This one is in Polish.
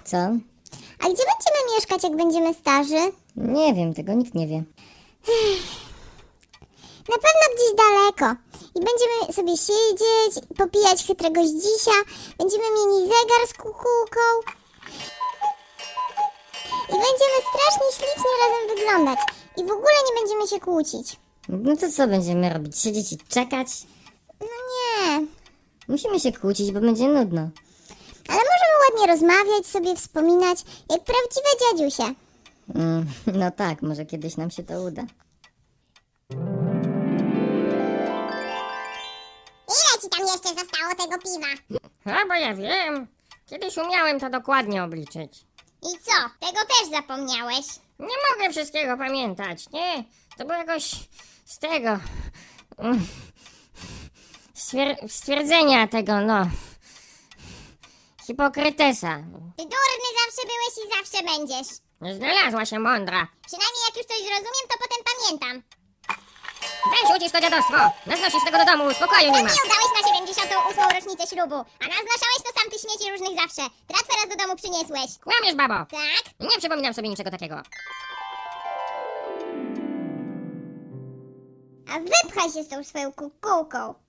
Co? A gdzie będziemy mieszkać, jak będziemy starzy? Nie wiem, tego nikt nie wie. Na pewno gdzieś daleko. I będziemy sobie siedzieć, popijać chytrego dzisia. Będziemy mieli zegar z kukułką. I będziemy strasznie ślicznie razem wyglądać. I w ogóle nie będziemy się kłócić. No to co będziemy robić? Siedzieć i czekać? No nie. Musimy się kłócić, bo będzie nudno. Ale możemy ładnie rozmawiać, sobie wspominać, jak prawdziwe dziadziusie. No tak, może kiedyś nam się to uda. Ile ci tam jeszcze zostało tego piwa? A bo ja wiem. Kiedyś umiałem to dokładnie obliczyć. I co? Tego też zapomniałeś? Nie mogę wszystkiego pamiętać, nie? To było jakoś z tego... stwierdzenia tego, no... Hipokrytesa. Ty durny zawsze byłeś i zawsze będziesz. Znalazła się mądra. Przynajmniej jak już coś zrozumiem, to potem pamiętam. Weź ucisz to dziadostwo. Naznosisz tego do domu, spokoju nie Sam ma. mi udałeś na 78. rocznicę ślubu, a naznaszałeś to sam ty śmieci różnych zawsze. Tratwę raz do domu przyniesłeś. Kłamiesz, babo. Tak? Nie przypominam sobie niczego takiego. A wypchaj się z tą swoją kukułką.